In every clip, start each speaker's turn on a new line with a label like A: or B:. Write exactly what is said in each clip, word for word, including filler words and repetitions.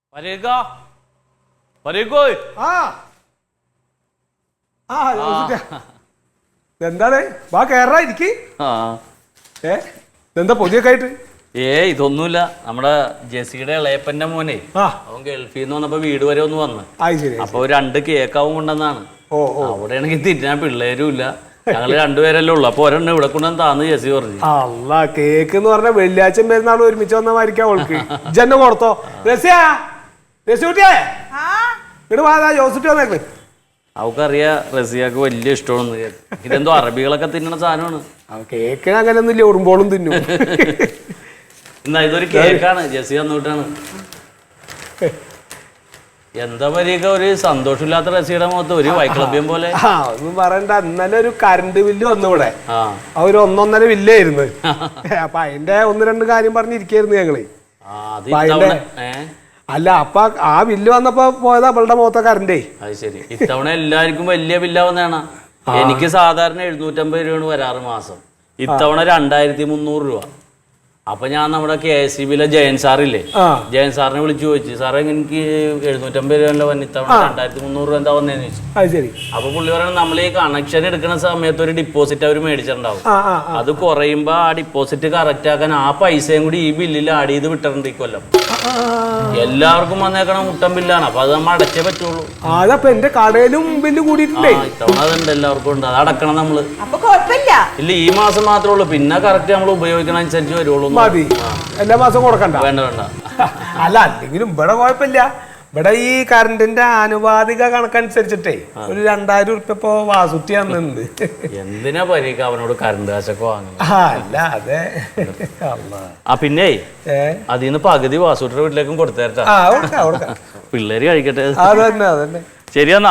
A: പരേക്കാ പരേക്കോ
B: ആ ആ എന്താണ് വാ കേറാ ഇരിക്ക്. ഏ എന്താ പൊതിയൊക്കെ ആയിട്ട്?
A: ഏ ഇതൊന്നുമില്ല, നമ്മുടെ ജെസിയുടെ ഇളയപ്പന്റെ മോനെ അവൻ ഗൾഫിൽ നിന്ന് വന്നപ്പോ വീട് വരെ ഒന്ന് വന്ന് അപ്പൊ രണ്ട് കേക്കാവും കൊണ്ടെന്നാണ്. അവിടെയാണെങ്കിൽ തിരിഞ്ഞാൽ പിള്ളേരും ഇല്ല, ഞങ്ങള് രണ്ടുപേരല്ലേ ഉള്ളു. അപ്പൊ ഒരെണ്ണം ഇവിടെ കൊണ്ടുവന്ന് താന്ന് ജെസി പറഞ്ഞു.
B: അല്ല കേക്ക് എന്ന് പറഞ്ഞ വെള്ളിയാഴ്ച പെരുന്നാൾ ഒരുമിച്ച് വന്ന മാതിരിക്കാ ഓൾക്ക്. ഇജ്ജെന്നെ കൊടുത്തോ രസിയാ രസിക്കുട്ടിയേ ഇങ്ങോട്ട് വാ ജോസുട്ടി വന്നേക്ക്.
A: അവക്കറിയാ റസിയാക്ക് വലിയ ഇഷ്ടമാണെന്ന്. ഇതെന്തോ അറബികളൊക്കെ തിന്നണ സാധനമാണ്.
B: കേക്ക് അങ്ങനെയൊന്നും ഇല്ല, ഉറുമ്പോളും തിന്നും.
A: എന്നാ ഇതൊരു കേക്കാണ്, ജെസി വന്നിട്ടാണ്. എന്താ പറയുക, ഒരു സന്തോഷമില്ലാത്ത റസിയുടെ മുഖത്ത് ഒരു വൈക്ലഭ്യം പോലെ.
B: ആ ഒന്നും പറയണ്ട, ഇന്നലെ ഒരു കറണ്ട് ബില്ല് വന്നു ഇവിടെ. ആ ഒരു ഒന്നൊന്നര ബില്ലായിരുന്നു. അപ്പൊ അതിന്റെ ഒന്ന് രണ്ട് കാര്യം പറഞ്ഞിരിക്കായിരുന്നു ഞങ്ങള്. അല്ല അപ്പൊ ആ ബില്ല് വന്നപ്പോ പോയത് അവളുടെ മുഖത്തെ കറണ്ടേ.
A: അത് ശരി, ഇത്തവണ എല്ലാവർക്കും വലിയ ബില്ലാവുന്നതാണ്. എനിക്ക് സാധാരണ എഴുന്നൂറ്റമ്പത് രൂപയാണ് വരാറ് മാസം, ഇത്തവണ രണ്ടായിരത്തി മുന്നൂറ് രൂപ. അപ്പൊ ഞാൻ നമ്മുടെ കെ എസ് ഇ ബിയിലെ ജയൻ സാറില്ലേ, ജയൻ സാറിനെ വിളിച്ചു ചോദിച്ചു, സാറേ എനിക്ക് എഴുന്നൂറ്റമ്പത് രൂപ വന്ന ഇത്തവണ രണ്ടായിരത്തി മുന്നൂറ് രൂപ എന്താ വന്നേന്ന് ചോദിച്ചു. അപ്പൊ പുള്ളി പറയുന്നത് നമ്മൾ ഈ കണക്ഷൻ എടുക്കുന്ന സമയത്ത് ഒരു ഡിപ്പോസിറ്റ് അവർ മേടിച്ചിട്ടുണ്ടാവും. അത് കുറയുമ്പോ ആ ഡിപ്പോസിറ്റ് കറക്റ്റ് ആക്കാൻ ആ പൈസയും കൂടി ഈ ബില്ലിൽ ആഡ് ചെയ്ത് വിട്ടിട്ടുണ്ട് ഈ കൊല്ലം. എല്ലാവർക്കും വന്നേക്കണ മുട്ടൻ ബില്ലാണ്, അപ്പൊ അത് നമ്മൾ അടച്ചേ പറ്റുള്ളൂ.
B: അതപ്പോ എന്റെ കടയിലും ബില്ല് കൂടിയിട്ടുണ്ട്.
A: ഇത്തവണ അതുണ്ട്, എല്ലാവർക്കും ഉണ്ട്, അത് അടക്കണം നമ്മള്. ഇല്ല ഈ മാസം മാത്രമേ ഉള്ളൂ, പിന്നെ കറക്റ്റ് നമ്മൾ ഉപയോഗിക്കണ അനുസരിച്ച് വരുള്ളൂ.
B: മതി, എല്ലാ മാസം കൊടുക്കണ്ട.
A: വേണ്ട വേണ്ട.
B: അല്ല അല്ലെങ്കിലും ഇവിടെ കുഴപ്പമില്ല. ഇവിടെ ഈ കറണ്ടിന്റെ ആനുപാതിക കണക്കനുസരിച്ചിട്ടേ ഒരു രണ്ടായിരം ഉറുപ്പ്യ ഇപ്പൊ വാസുട്ടി വന്നിട്ടുണ്ട്.
A: എന്തിനാ പരീക്ക അവനോട് കറണ്ട് കാശൊക്കെ വാങ്ങുന്നത്?
B: അല്ല അതെ.
A: ആ പിന്നെ അതിന്ന് പകുതി വാസുട്ടിയുടെ വീട്ടിലേക്കും കൊടുത്തേട്ടാ, പിള്ളേര് കഴിക്കട്ടെ.
B: അതന്നെ അതന്നെ.
A: ശരിയെന്നാ.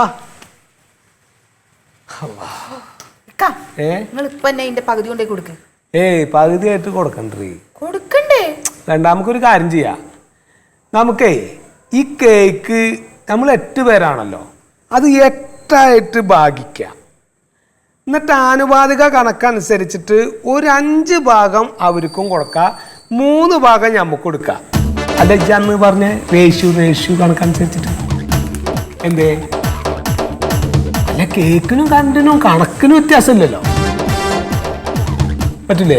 C: പകുതി കൊണ്ടേ കൊടുക്ക.
B: ഏയ് പകുതിയായിട്ട് കൊടുക്കണ്ടേ?
C: കൊടുക്കണ്ടേ?
B: രണ്ടാമക്കൊരു കാര്യം ചെയ്യാം, നമുക്കേ ഈ കേക്ക് നമ്മൾ എട്ട് പേരാണല്ലോ, അത് എട്ടായിട്ട് ഭാഗിക്കാം. എന്നിട്ട് ആനുപാതിക കണക്കനുസരിച്ചിട്ട് ഒരു അഞ്ച് ഭാഗം അവർക്കും കൊടുക്കാം, മൂന്ന് ഭാഗം നമുക്ക് കൊടുക്കാം. അല്ല ഇജന്ന് പറഞ്ഞ റേഷ്യൂ റേഷ്യൂ കണക്കനുസരിച്ചിട്ട് എന്തേ? അല്ല കേക്കിനും കറണ്ടിനും കണക്കിനും വ്യത്യാസമില്ലല്ലോ, പറ്റില്ലേ?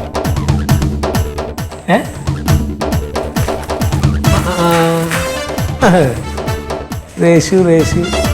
B: ഏ റേഷ്യൂ റേഷ്യൂ